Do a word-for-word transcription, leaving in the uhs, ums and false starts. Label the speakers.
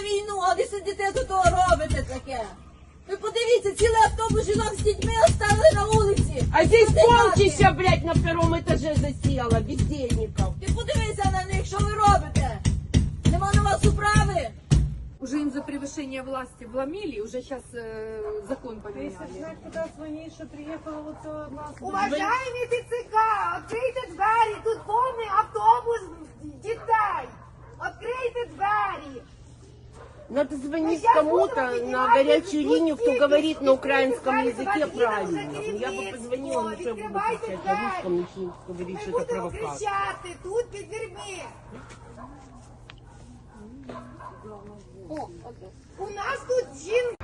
Speaker 1: війну, а ви сидите тут робите таке. Ви подивіться, цілий автобус жінок з дітьми оставили на вулиці.
Speaker 2: А здесь
Speaker 1: Люди
Speaker 2: полчища, блядь, на втором этаже засела, бездельников.
Speaker 1: Ти подивися на них, що ви робите? Нема на вас управи?
Speaker 3: Уже им за превышение власти вломили, уже сейчас э, закон поменяли.
Speaker 4: Знать, куда звонить, что приехала вот у нас.
Speaker 5: Уважаемі ТЦК, відкрийте двері, тут повний автобус дітей. Відкрийте двері.
Speaker 2: Надо звонить кому-то на горячую линию, кто говорит на украинском языке правильно. Я бы позвонила, но что я буду кричать на русском, начну говорить,
Speaker 5: Ми
Speaker 2: что это
Speaker 5: будемо
Speaker 2: провокация.
Speaker 5: кричати тут під дверьми. У нас тут жінки.